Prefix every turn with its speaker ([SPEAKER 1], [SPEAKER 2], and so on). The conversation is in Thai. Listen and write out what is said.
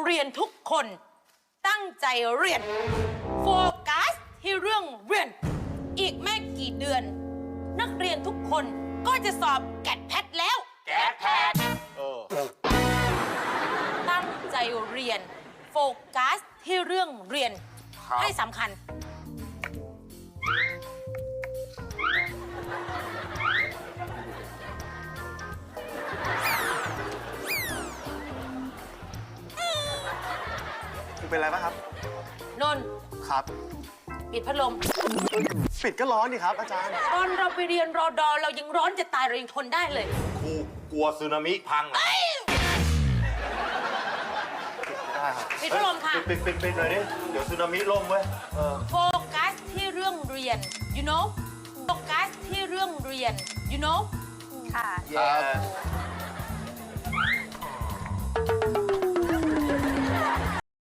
[SPEAKER 1] เรียนทุกคนตั้งใจเรียนโฟกัสที่เรื่องเรียนอีกไม่กี่เดือนนักเรียนทุกคนก็จะสอบแกดแพทแล้ว
[SPEAKER 2] แกดแพท
[SPEAKER 1] ตั้งใจเรียนโฟกัสที่เรื่องเรียนให้สำคัญ
[SPEAKER 3] คุณเป็นอะไรป่ะครับ
[SPEAKER 1] นนท์
[SPEAKER 3] ครับ
[SPEAKER 1] ปิดพัดลม
[SPEAKER 3] ปิดก็ร้อนดิครับอาจารย์
[SPEAKER 1] ตอนเราไปเรียนรอดอเรายังร้อนจะตายเรายังทนได้เลย
[SPEAKER 2] ครูกลัวสึนามิพังเหรอ
[SPEAKER 3] ได้ครับ
[SPEAKER 1] ปิดพัดลมค่ะ
[SPEAKER 2] ปิดหน่อยดิ เดี๋ยวสึนามิล่มเว้ย
[SPEAKER 1] โฟกัสที่เรื่องเรียน you know โฟกัสที่เรื่องเรียน you know
[SPEAKER 4] ค่ะ
[SPEAKER 2] Yeah